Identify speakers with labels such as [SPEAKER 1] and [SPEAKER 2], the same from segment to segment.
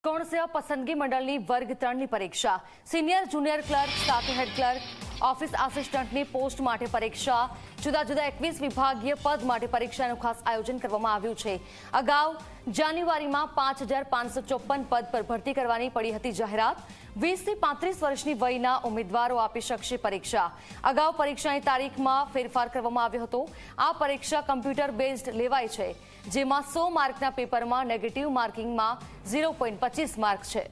[SPEAKER 1] ગૌણ સેવા પસંદગી મંડળની વર્ગ 3ની પરીક્ષા સિનિયર જુનિયર ક્લર્ક સાથે હેડ ક્લર્ક ઓફિસ આસિસ્ટન્ટની પોસ્ટ માટે પરીક્ષા જુદા જુદા 21 વિભાગીય પદ માટે પરીક્ષાનું ખાસ આયોજન કરવામાં આવ્યું છે। અગાઉ જાન્યુઆરીમાં 5554 પદ પર ભરતી કરવાની પડી હતી જાહેરાત। 20 થી 35 વર્ષની વયના ઉમેદવારો આપી શકશે પરીક્ષા। અગાઉ પરીક્ષાની તારીખમાં ફેરફાર કરવામાં આવ્યો હતો। આ પરીક્ષા કમ્પ્યુટર બેઝડ લેવાય છે, જેમાં 100 માર્કના પેપરમાં નેગેટિવ માર્કિંગમાં 0.25 માર્ક છે।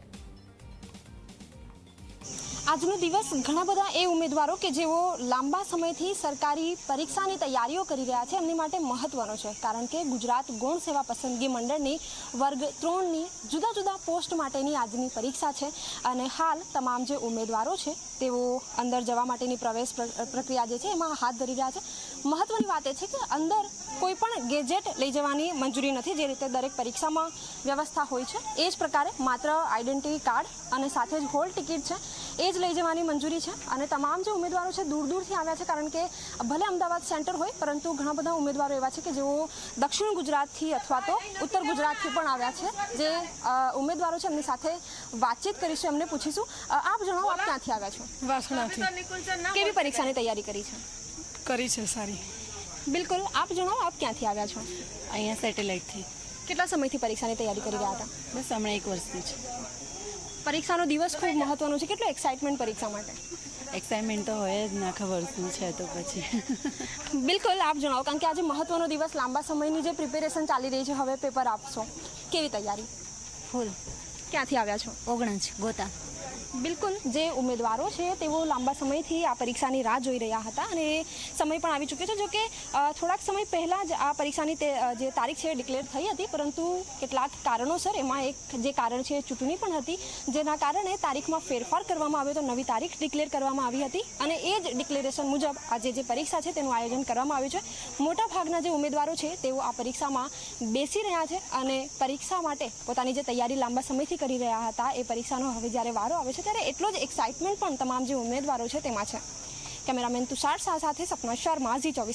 [SPEAKER 2] આજનો દિવસ ઘણા બધા એ ઉમેદવારો કે જેઓ લાંબા સમયથી સરકારી પરીક્ષાની તૈયારીઓ કરી રહ્યા છે એમની માટે મહત્વનો છે, કારણ કે ગુજરાત ગૌણ સેવા પસંદગી મંડળની વર્ગ 3ની જુદા જુદા પોસ્ટ માટેની આજની પરીક્ષા છે અને હાલ તમામ જે ઉમેદવારો છે તેઓ અંદર જવા માટેની પ્રવેશ પ્રક્રિયા જે છે એમાં હાથ ધરી રહ્યા છે। મહત્વની વાત એ છે કે અંદર કોઈ પણ ગેજેટ લઈ જવાની મંજૂરી નથી, જે રીતે દરેક પરીક્ષામાં વ્યવસ્થા હોય છે એ જ પ્રકારે માત્ર આઈડેન્ટિટી કાર્ડ અને સાથે જ હોલ ટિકિટ છે એ જ લઈ જવાની મંજૂરી છે। અને તમામ જે ઉમેદવારો છે દૂર દૂરથી આવ્યા છે, કારણ કે ભલે અમદાવાદ સેન્ટર હોય પરંતુ ઘણા બધા ઉમેદવારો એવા છે કે જેઓ દક્ષિણ ગુજરાતથી અથવા તો ઉત્તર ગુજરાતથી પણ આવ્યા છે। જે ઉમેદવારો છે એમની સાથે વાતચીત કરીશું, એમને પૂછીશું। આપ જણાવો, આપ ક્યાંથી આવ્યા છો?
[SPEAKER 3] વાસણાથી।
[SPEAKER 2] કેવી પરીક્ષાની તૈયારી કરી છે?
[SPEAKER 3] કરી છે સારી।
[SPEAKER 2] બિલકુલ, આપ જણાવો, આપ ક્યાંથી આવ્યા છો?
[SPEAKER 4] અહીંયા સેટેલાઇટથી।
[SPEAKER 2] કેટલા સમયથી પરીક્ષાની તૈયારી કરી રહ્યા હતા?
[SPEAKER 4] બસ હમણાં 1 વર્ષથી જ।
[SPEAKER 2] પરીક્ષાનો દિવસ ખૂબ મહત્વનો છે, કેટલો એક્સાઇટમેન્ટ પરીક્ષા માટે?
[SPEAKER 4] એક્સાઇટમેન્ટ તો હોય જ, આખા વર્ષનું છે તો પછી।
[SPEAKER 2] બિલકુલ, આપ જણાવો, કારણ કે આજે મહત્વનો દિવસ, લાંબા સમયની જે પ્રિપેરેશન ચાલી રહી છે, હવે પેપર આપશો, કેવી તૈયારી?
[SPEAKER 4] ફૂલ।
[SPEAKER 2] ક્યાંથી આવ્યા છો?
[SPEAKER 4] ઓગણજ ગોતા।
[SPEAKER 2] બિલકુલ, જે ઉમેદવારો છે તેઓ લાંબા સમયથી આ પરીક્ષાની રાહ જોઈ રહ્યા હતા અને એ સમય પણ આવી ચૂક્યો છે। જો કે થોડાક સમય પહેલાં જ આ પરીક્ષાની જે તારીખ છે એ ડિક્લેર થઈ હતી, પરંતુ કેટલાક કારણોસર એમાં એક જે કારણ છે એ ચૂંટણી પણ હતી, જેના કારણે તારીખમાં ફેરફાર કરવામાં આવ્યો, તો નવી તારીખ ડિક્લેર કરવામાં આવી હતી અને એ જ ડિક્લેરેશન મુજબ આજે જે પરીક્ષા છે તેનું આયોજન કરવામાં આવ્યું છે। મોટાભાગના જે ઉમેદવારો છે તેઓ આ પરીક્ષામાં બેસી રહ્યા છે અને પરીક્ષા માટે પોતાની જે તૈયારી લાંબા સમયથી કરી રહ્યા હતા એ પરીક્ષાનો હવે જ્યારે વારો આવે છે ત્યારે એટલો જ એક્સાઇટમેન્ટ પણ તમામ જે ઉમેદવારો છે તેમાં છે। કેમેરામેન તુષાર શાહ સાથે સપના શર્મા, Zee24।